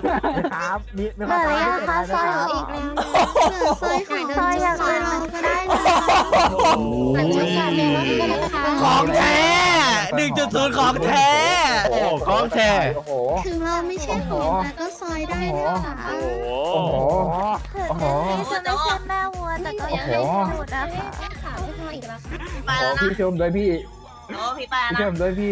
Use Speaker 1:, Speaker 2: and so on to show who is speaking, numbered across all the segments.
Speaker 1: ครับมี
Speaker 2: เหลื
Speaker 1: ความ
Speaker 2: อ
Speaker 1: สามารถ
Speaker 2: ยัง
Speaker 1: พิเศษ
Speaker 2: คะ
Speaker 1: อะไร
Speaker 2: ซ
Speaker 1: ไหม
Speaker 2: อย
Speaker 1: ค
Speaker 2: เห
Speaker 1: รั
Speaker 2: ลื
Speaker 1: บ
Speaker 2: ออีกแล้วซอยอย่างอื่นก็ได้นะ
Speaker 3: โอ้
Speaker 2: แต่
Speaker 3: โห
Speaker 2: จะสั่งเมลอนก็ได้นะคะ
Speaker 4: ของแท้ 1.0 ของแท้
Speaker 3: โอ้โหของแท้
Speaker 1: โอ้โห
Speaker 2: ถึงเราไม่ใช่ของแต่ก็ซอยได้นะคะ
Speaker 3: โอ้โห
Speaker 1: โอ้โห
Speaker 5: ถึงพี่จะไม่ใช่แม่วัวแต่ก็ยังให้สูตรนะคะ
Speaker 2: ค่ะไม่พออีกแล้วค่ะ
Speaker 6: ไปแล้วนะ
Speaker 1: พี่ชมด้วยพี่
Speaker 6: โอ้พี่ไป
Speaker 1: พี่ช
Speaker 6: แล้ว
Speaker 1: ม
Speaker 6: นะ
Speaker 1: ด้วยพี่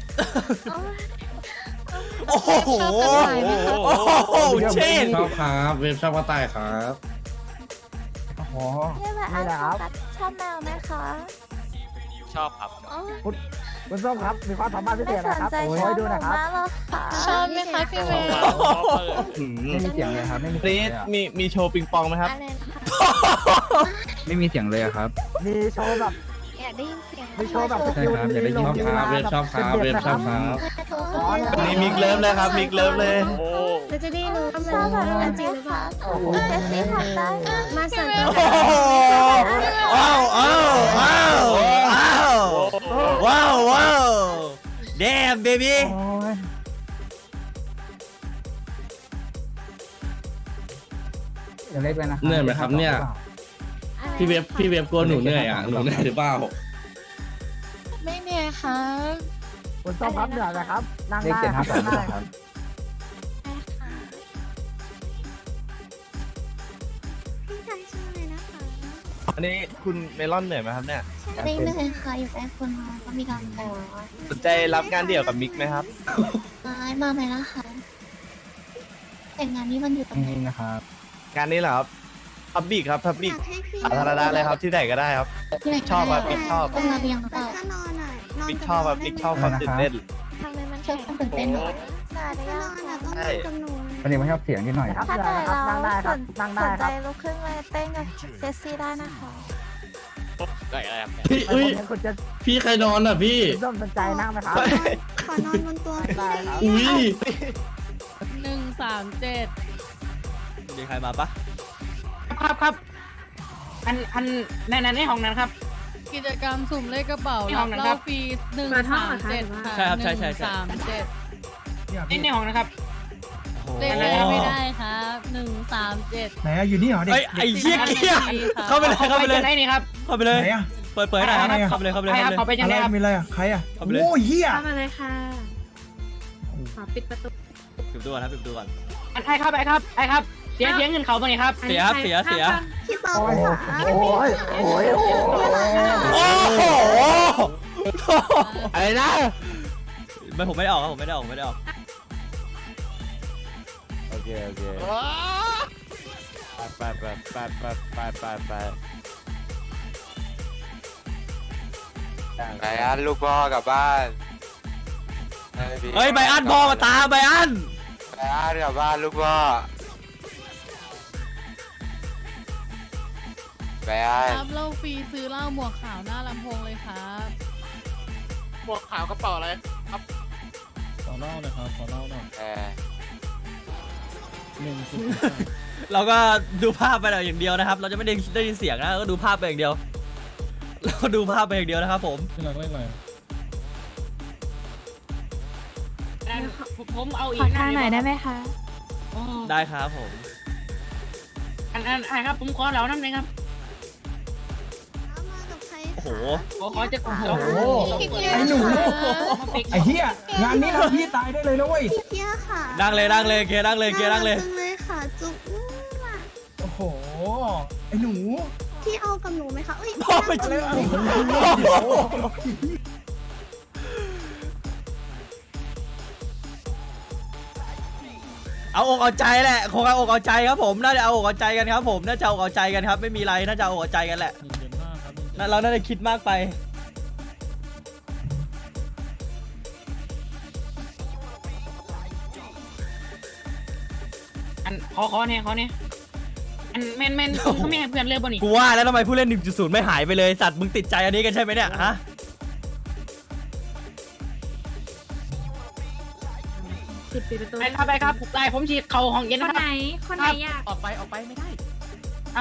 Speaker 4: โอ้โห โอ้โหเช่น
Speaker 3: ชอบครับเว็บชอบกระต่ายครับ
Speaker 1: โอ้โห
Speaker 5: พี่แบบ
Speaker 1: นี่
Speaker 5: อา
Speaker 1: แหละครับ
Speaker 5: ชอบแมวไหมคะ
Speaker 7: ชอบครับ
Speaker 1: คุณส้มครับมีความสามารถพิเศ
Speaker 5: ไม่
Speaker 1: ษ
Speaker 5: ส
Speaker 1: นะ
Speaker 5: น
Speaker 1: ครับ
Speaker 5: ใจ
Speaker 1: โอ้
Speaker 5: ชอย บ
Speaker 1: ดู
Speaker 5: หนู
Speaker 1: นะครับ
Speaker 5: มากเลยค่ะ
Speaker 2: ชอบไหมคะพี่เมย์
Speaker 1: ไม่มีเสียงเลยครับไม่มี
Speaker 4: รีดมีโชว์ปิงปองไหมครับ
Speaker 5: อะไรนะคะ
Speaker 8: ไม่มีเสียงเลยครับ
Speaker 1: มีโชว์แบบ
Speaker 2: อยากได้ยินเสียง
Speaker 1: มีโชว์แบบ
Speaker 8: ใช่ครับอยากได้ยิน
Speaker 3: ชอบครับเว็บชอบครับเว็บชอบครับ
Speaker 4: นี่มิกเลิฟเลยครับ มิกเลิฟเลย
Speaker 7: โอ้
Speaker 2: เราจะได้รู้ว่ามัน
Speaker 5: ชอบแบบนั้น
Speaker 2: จริงหรือเปล่า
Speaker 1: โอ้โห
Speaker 5: เจสซี่ทำได้นะ
Speaker 2: มาสั่ง
Speaker 4: โอ้โหว้าวว้าวว้าวว้าวว้าว damn baby
Speaker 1: โอ้ยยังเล็กเลยนะ
Speaker 3: เหนื่อยไหมครับเนี่ย พี่เว็บกลัวหนูเหนื่อยอ่ะหนูเหนื่อยหรือเปล่า
Speaker 2: ไม่เหนื่อยครับ
Speaker 1: คุณส้มครับเหนื่อยไหมครับนั่ง
Speaker 8: เลข
Speaker 1: ได้
Speaker 8: 7 5
Speaker 1: นั่งได้
Speaker 8: 2ครับ
Speaker 2: พี่ชายชื่ออะไรนะคะ
Speaker 4: อันนี้คุณเมลอนเหนื่อยไหมครับเนี่ย
Speaker 2: ไม่เหนื่อยค่ะอยู่ใกล้คนมาก็มีการต่อ
Speaker 4: สนใจรับงานเดี่ยวกับมิกไหมครับ
Speaker 2: มาไหมล่ะคะแต่งงานนี้มันอยู่ตรงไหน
Speaker 8: นี่นะครับ
Speaker 4: งานนี้เหรอครับพับบิกครับพับบิกสาธารณะเลยครับที่ไหนก็ได้ครับ
Speaker 2: ที่ไหน
Speaker 4: ชอบครับบิ๊กชอบ
Speaker 2: ตรงระเบียงเปล่า
Speaker 5: ถ้านอนอ่ะนอน
Speaker 4: มิกชอบครับมิกชอบความตื่นเต้น
Speaker 5: ทำไมมัน
Speaker 2: ชอบความตื่นเต้นเหรอ
Speaker 5: สวัสดี
Speaker 6: ถ้าน
Speaker 5: ค่ะ
Speaker 6: อนอ่ะต้อง
Speaker 4: ใช่
Speaker 6: นอนกับหนู
Speaker 8: วันนี้ไม่ชอบเสียงนิดหน่อย
Speaker 1: ครับ
Speaker 5: ถ้า
Speaker 1: เหนื่
Speaker 5: เกิ
Speaker 1: อย
Speaker 5: ด
Speaker 1: นะครับ
Speaker 5: เรา
Speaker 1: นั่งได้ครับนั่งได้
Speaker 5: สน
Speaker 1: ค
Speaker 5: ใจ
Speaker 1: รับ
Speaker 5: ลุกขึ้นมาเต้นกับเจสซี่ได้นะคะ
Speaker 7: ได้อะไรครับ
Speaker 3: พี่
Speaker 1: ผม
Speaker 3: อุ้ย
Speaker 1: เห็นคุณจะ
Speaker 3: พี่ใครนอนอ่ะพี่
Speaker 1: คุณส้มสนใจนั่งไหมครับ
Speaker 6: ขอนอนบนตัว
Speaker 1: ได้ครับ
Speaker 3: อุ้ย
Speaker 4: 137มีใครมาปะ
Speaker 9: ครับในห้องนั้นครับ
Speaker 10: กิจกรรมสุ่มเลขกระเป๋า
Speaker 9: ในห้
Speaker 10: รั
Speaker 9: อบ งนั้น
Speaker 10: เห
Speaker 9: ครั
Speaker 10: ล้า
Speaker 9: บ
Speaker 10: ฟรี137ค่ะ
Speaker 4: ใช่ครับใช่ใช่ใช่
Speaker 10: 137
Speaker 9: ในห้องนะครับ
Speaker 10: เลขอะไรไม่ได้ครับ137
Speaker 1: ไหนอยู่นี่เหรอ
Speaker 4: เอ้ยไอ้เหี้ยเกี้ยเข้าไปเลยเข้าไปเลย
Speaker 9: ไหนนี่ครับ
Speaker 4: เข้าไปเลย
Speaker 1: ไหนอ่ะ
Speaker 4: เปิดหน่อยครับเข้าไปเลยเข้าไปเลย
Speaker 9: ใคร
Speaker 4: เข้า
Speaker 9: ค
Speaker 4: ไป
Speaker 9: รับ
Speaker 4: เลย
Speaker 9: เขาไปยังไงครับ
Speaker 1: มีอะไรอ่ะใครอ่ะ
Speaker 4: เข้าไปเลย
Speaker 1: โอ้ยเฮีย
Speaker 2: เข้ามาเลยค่ะขอปิดประตู
Speaker 4: ปิดดูก่อนครับปิดดูก่อน
Speaker 9: ไอ้ครับเสียเงินเขาตรงนี้ครับ
Speaker 4: เสียครับเสีย
Speaker 6: พี่ตอ
Speaker 1: โอ้
Speaker 6: บ
Speaker 1: ย
Speaker 6: ค่ะ
Speaker 1: โอ้ยโอ้ยโอ้ย
Speaker 4: โอ้โห
Speaker 3: อะไรนะ
Speaker 4: ไม่ผมไม่ได้ออกครับผมไม่ได้ออกผมไม่ได้ออก
Speaker 3: โอเคไป
Speaker 11: ไบอันลูกพ่อกลับบ้าน
Speaker 4: เฮ้ยไบอันพ่อมาตามไบอัน
Speaker 11: ไบอันกลับบ้านลูกพ่อไบอัน
Speaker 10: รับเหล้าฟรีซื้อเหล้าหมวกขาวหน้าลำโพงเลยครับ
Speaker 7: หมวกขาวกระเป๋าอะไร
Speaker 3: ขอเล่าหน่อยครับขอเล่าหน่อย
Speaker 4: เราก็ดูภาพไปอย่างเดียวนะครับ เราจะไม่ได้ยินเสียงนะเราก็ดูภาพไปอย่างเดียวเราก็ดูภาพไปอย่างเดียวนะครับผม
Speaker 3: พี่หลักเล่นอะไร
Speaker 9: ผมเอาอีก
Speaker 2: ขอทางหน่อยได้ไหมคะ
Speaker 4: ได้ครับผม
Speaker 9: ไอ้ครับผมขอเหล่านั้นเลยครับ
Speaker 6: มากับใคร
Speaker 4: โอ้โห
Speaker 9: ขอจะ
Speaker 1: โอ้โหไอ้หนูไอ้เฮียงานนี้เราพี่ตายได้เลยนะเว้ย
Speaker 6: เพี้ยค่ะ
Speaker 4: นั่งเลยเกียร์นั่งเลย
Speaker 6: จังเลยค่ะจุ๊บว่ะ
Speaker 1: โอ้โหไอ้หนู
Speaker 6: พี่เอากับหนูไหมคะเอ้ย
Speaker 4: พ่อไป
Speaker 6: นั่ง
Speaker 4: เจ
Speaker 6: กับ
Speaker 4: อ
Speaker 6: หนูค่ะ
Speaker 4: เอาอกเอาใจแหละคงเอาอกเอาใจครับผมน่าจะเอาอกเอาใจกันครับผมน่าจะเอาอกเอาใจกันครับไม่มีไรน่าจะเอาอกเอาใจกันแหละเราน่าจะคิดมากไป
Speaker 9: ขอเนี่ยแม่นเขาไม่ให้เพื่อนเลยบ่นี่
Speaker 4: กูว่าแล้วทำไมผู้เล่น 1.0 ไม่หายไปเลยสัตว์มึงติดใจอันนี้กันใช่ไหมเนี่ยฮะ
Speaker 2: ปิดประตู
Speaker 9: ไปครับได้ผมฉีดเข่าห้องเย็น
Speaker 2: ค
Speaker 9: นะ
Speaker 2: น
Speaker 9: ค
Speaker 2: ไหน
Speaker 9: รับ
Speaker 2: คนไหนอยาก
Speaker 7: ออกไปไม่ได้
Speaker 9: เอ้า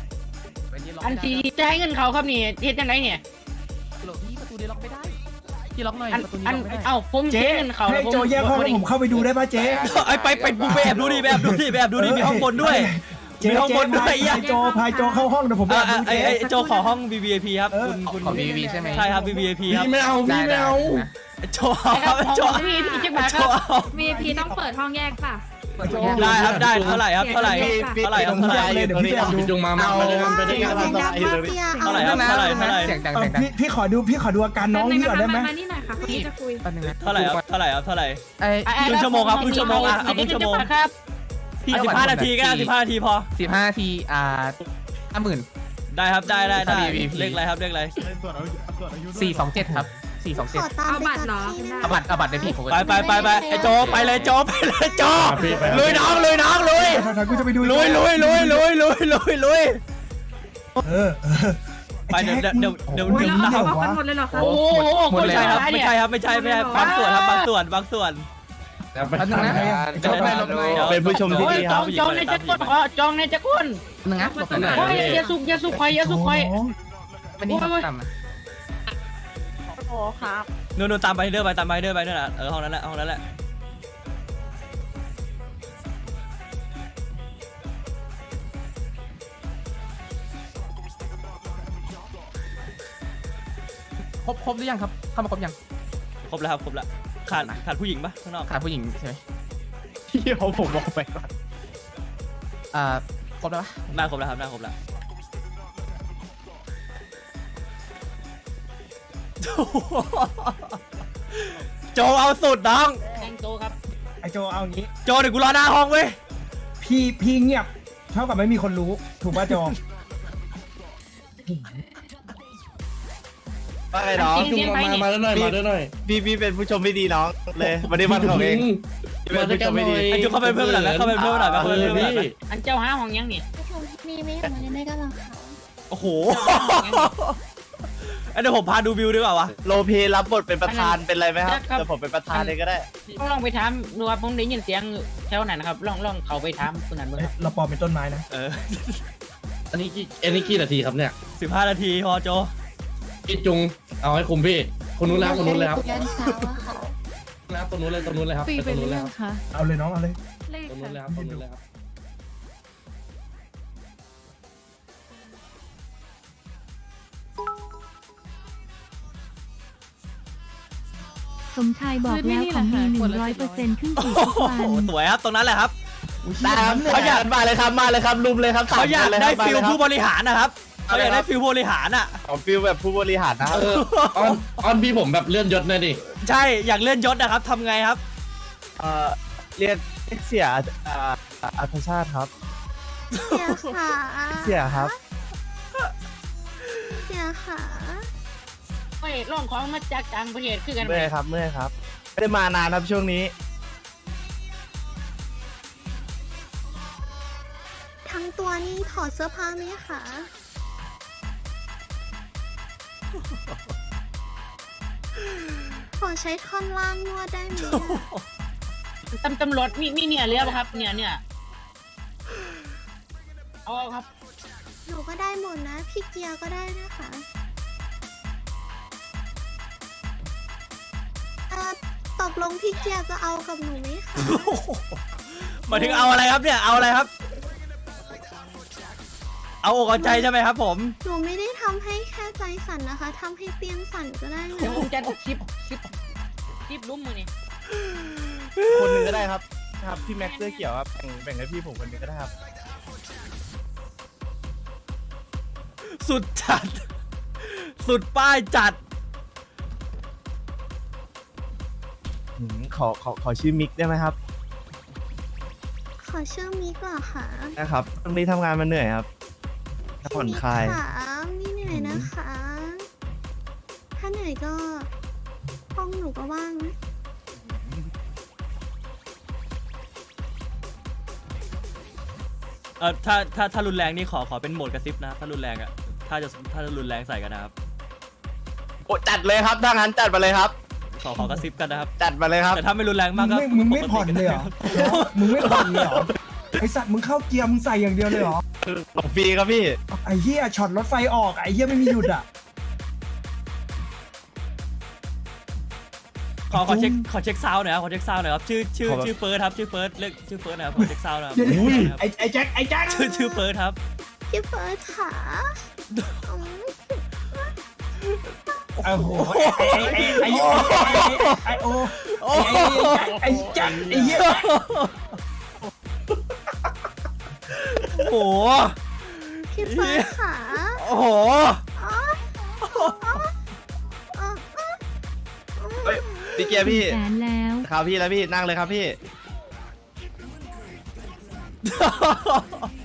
Speaker 7: ไปนี่ล็อก
Speaker 9: อัน
Speaker 7: ไม่ได้
Speaker 9: ที่จ่ายเงินเขาครับนี่เฮ็ดจังไดเนี่ย
Speaker 7: หลบนี่ประตูนี้ล็อกไม่ได้พี่ล็อกหน่อย
Speaker 9: เอ้าผม
Speaker 1: เจ๊
Speaker 9: เงินเขา
Speaker 1: ให้โจแยกห้องแล้วผมเข้าไปดูได้ป่ะเจ๊
Speaker 4: ไอ้ไปแอบดูดิไปแอบดูดิมีห้องบนด้วย
Speaker 1: เจ๊
Speaker 4: มีห้องบนด้วย
Speaker 1: พายโจเข้าห้องเดี๋ยวผมไปดูเจ๊
Speaker 4: ไอ้โจขอห้อง VVIP ครับคุณ
Speaker 7: ของ BBB ใช่ไหม
Speaker 4: ใช่ครับ VVIP ครับ
Speaker 3: พี่ไม่เอาพี่ไม่เอา
Speaker 4: โจครับโจ
Speaker 9: พี่จะมา
Speaker 4: โจ
Speaker 9: ครับ
Speaker 10: VIP ต้องเปิดห้องแยกป่ะ
Speaker 4: ได้ครับได้เท่าไหร่ครับเท่าไหร่
Speaker 1: เลยเดี๋ยวพี่ไปดู
Speaker 3: พี่จุงมาไปด้วยกันไปด้วยกัน
Speaker 6: เสียงดังมากเปีย
Speaker 4: เท่าไหร่ครับเท่าไหร่
Speaker 7: เสียงดัง
Speaker 1: พี่ขอดูอาการน้องนี่ก่อนได้ไหม
Speaker 10: มานี่หน่อยค่ะคนนี้จะคุย
Speaker 4: เท่าไหร่ครับเท่าไหร่ครับเท่าไหร่
Speaker 7: ไอ้
Speaker 4: ครึ่งชั่วโมงครับครึ่งชั่วโมงอ่ะเอาครึ่งชั่วโมง
Speaker 9: ครับ
Speaker 4: 15 นาทีก็ได้15 นาทีพอ
Speaker 7: 15 นาที50,000
Speaker 4: ได้ครับได้
Speaker 7: VVIP
Speaker 4: เลขอะไรครับเลขอะไร
Speaker 7: 427 ครับ
Speaker 6: ขอตามไปกับพี่ได้ไหม
Speaker 7: เอาบัตรในพี่ผม
Speaker 4: ไปไอ้โจไปเลยโจลุยน้องลุย
Speaker 1: ถ้ากูจะไปดู
Speaker 4: ลุยไปเดี๋ยวนะครับ
Speaker 10: กันหมดเลยเหรอคะ
Speaker 9: โอ้โห
Speaker 4: ไม่ใช่ครับไม่ใช่บางส่วนครับบางส่วน
Speaker 7: อันนึงนะ
Speaker 3: เป็นผู้ชมที่ดีครับ
Speaker 9: จองในจักรคนจองในจักรคน
Speaker 7: นึงนะ
Speaker 9: โอ้ยอย่าสุกคอย
Speaker 7: วันนี้ต่ำ
Speaker 10: โอ้ครับ
Speaker 4: นู่นตามไปเรื่อยไปนั่นแหละห้องนั้นแหละ
Speaker 7: ครบหรือยังครับเข้ามาครบยัง
Speaker 4: ครบแล้วขาดผู้หญิงปะข้างนอก
Speaker 7: ขาดผู้หญิงใช่ไหมพี่ผมบอกไปก่อนครบแล้วปะ
Speaker 4: น่าครบแล้วครับน่าครบแล้วโจเอาสุดน้อง
Speaker 9: แตงโตครับ
Speaker 1: ไอโจเอางี้
Speaker 4: โจเดี๋ยวกูรอหน้าห้องเว้ย
Speaker 1: พี่เงียบเท่ากับไม่มีคนรู้ถูกป่ะโจ
Speaker 3: ไปน้องจุงมาด้วยหน่อย
Speaker 8: พี่เป็นผู้ชมที่ดีน้องเลยวันนี้วันของเอง
Speaker 3: มาด้วยกันหน่อย
Speaker 4: ไอ้โจเข้าไปเพิ่มหน่อยนะเข้าไปเพิ่มหน่อย
Speaker 3: พี่
Speaker 9: อันเจ้าหาห้องยังนี่
Speaker 2: มีไม่ออกมาเล่นได้ก็ลองค่ะ
Speaker 4: โอ้โหเดี๋ยวผมพาดูวิวดีกว่าวะ
Speaker 8: โลเพรับบทเป็นประธานเป็นไรไหมครับเดี๋ยวผมเป็นประธานเลยก็ได้
Speaker 9: ลองไปถามดูว่าผมได้ยินเสียงแถวไหนนะครับลองเขาไปถามคนนั้นเบิ่งครับ
Speaker 1: เราปลอมเป็นต้นไม้นะ
Speaker 3: อันนี้กี่นาทีครับเนี่ย
Speaker 4: 15 นาทีพอโจ
Speaker 3: พี่จุงเอาให้คุมพี่คนนู้นแล้วคนนู้นเลยครับ
Speaker 2: ยันเช้าอะค่ะ
Speaker 3: นะตรงนู้นเลยครับ
Speaker 10: ปี
Speaker 3: ต
Speaker 10: เป็
Speaker 3: ร
Speaker 10: น
Speaker 3: งนู้นเลย
Speaker 10: เรื่อ
Speaker 3: ค
Speaker 10: ง
Speaker 3: รับ
Speaker 10: ค่ะ
Speaker 1: เอาเลยน้องเอาเลย
Speaker 10: เลข
Speaker 3: ตรงนู้นเลย
Speaker 10: ค่ะ
Speaker 3: ครับตรงนู้นเลยครับ
Speaker 5: สมชายบอกแล้วของมี100%ขึ้นสู่ทุกวัน
Speaker 4: โอ้สวยครับตรงนั้นแหละครับ
Speaker 8: เขาอยากมาเลยครับลุมเลยครับ
Speaker 4: เขาอยากได้ฟิลผู้บริหารนะครับเขาอยากได้ฟิลผู้บริหารอ่ะ
Speaker 8: ของฟิลแบบผู้บริหารนะ
Speaker 3: ออนพี่ผมแบบเลื่อนยศหน่อยดิ
Speaker 4: ใช่อยากเลื่อนยศนะครับทำไงครับ
Speaker 8: เรียนเสียอัธชาติครับ
Speaker 6: เสียขา
Speaker 8: เสียครับ
Speaker 6: เสียขา
Speaker 9: ไม่ลองของมาจากต่างประเทศคือกัน
Speaker 8: เมื่อยครับไม่ได้มานานครับช่วงนี้
Speaker 6: ทั้งตัวนี่ถอดเสื้อผ้าไหมคะขอใช้ท่อนล่างนวดได้ไหม
Speaker 9: ตำรวจมีเนี่ยเรียบครับเนี่ยเอาครับ
Speaker 6: หนูก็ได้หมดนะพี่เกียร์ก็ได้นะคะตกลงพี่เกียร์จะเอากับหนูไหมคะ
Speaker 4: หมายถึงเอาอะไรครับเนี่ยเอาอะไรครับ เอาอกเอาใจใช่ไหมครับผม
Speaker 6: หนูไม่ได้ทำให้แค่ใจสั่นนะคะทำให้เตียงสั่นก็ได้
Speaker 9: เดี๋ยว
Speaker 6: นะ
Speaker 9: ผมจะคลิปลุ้มมือนี่
Speaker 8: คนหนึ่งก็ได้ครับพี่แม็กเสื้อเขียวครับแบ่งให้พี่ผมคนหนึ่งก็ได้ครับ
Speaker 4: สุดจัด สุดป้ายจัด
Speaker 8: ขอชื่อมิกได้ไหมครับ
Speaker 6: ขอชื่อมิกเหรอคะ
Speaker 8: นะครับตรงนี้ทำงานมาเหนื่อยครับผ่อนคลาย
Speaker 6: มิกค่ะไม่เหนื่อยนะคะ ถ้าเหนื่อยก็ห้องหนูก็ว่างนะ
Speaker 4: ถ้ารุนแรงนี่ขอเป็นโหมดกระซิบนะถ้ารุนแรงอ่ะถ้าจะรุนแรงใส่กันนะครับ
Speaker 8: โอ้จัดเลยครับถ้างั้นจัดมาเลยครับ
Speaker 4: ขอกระซิบกันนะครับ
Speaker 8: จัดมาเลยครับ
Speaker 4: แต่ถ้าไม่รุนแรงมากก็
Speaker 1: มึงไม่ผ่อนเลยเหรอมึงไม่ผ่อนเลยเหรอไอสัตว์มึงเข้าเกียร์มึงใส่อย่างเดียวเลยเหรอ
Speaker 8: ของฟรีครับพี่
Speaker 1: ไอเหี้ยช็อตรถไฟออกไอเหี้ยไม่มีหยุดอ่ะ
Speaker 4: ขอเช็คซาวน์หน่อยครับขอเช็คซาวน์หน่อยครับชื่อเฟิร์สครับชื่อเฟิร์สเรียกชื่อเฟิร์สนะครับขอเช็คซาวน์หนะครับ
Speaker 1: ไอ้แจ็คไอ้แจ็ค
Speaker 4: ชื่อเฟิร์สครับ
Speaker 6: พี่เฟิร์สค่ะอืม
Speaker 1: โอ้โหไอ้โอ้ไอ้แจ็คไอ้เหี้ย
Speaker 4: โอ้โห
Speaker 6: พี่เฟิร์สค่ะ
Speaker 4: โอ้โห
Speaker 8: เฮ้ยพี่เกียร์พี่
Speaker 5: แสนแล้ว
Speaker 8: ครับพี่แล้วพี่นั่งเลยครับพี่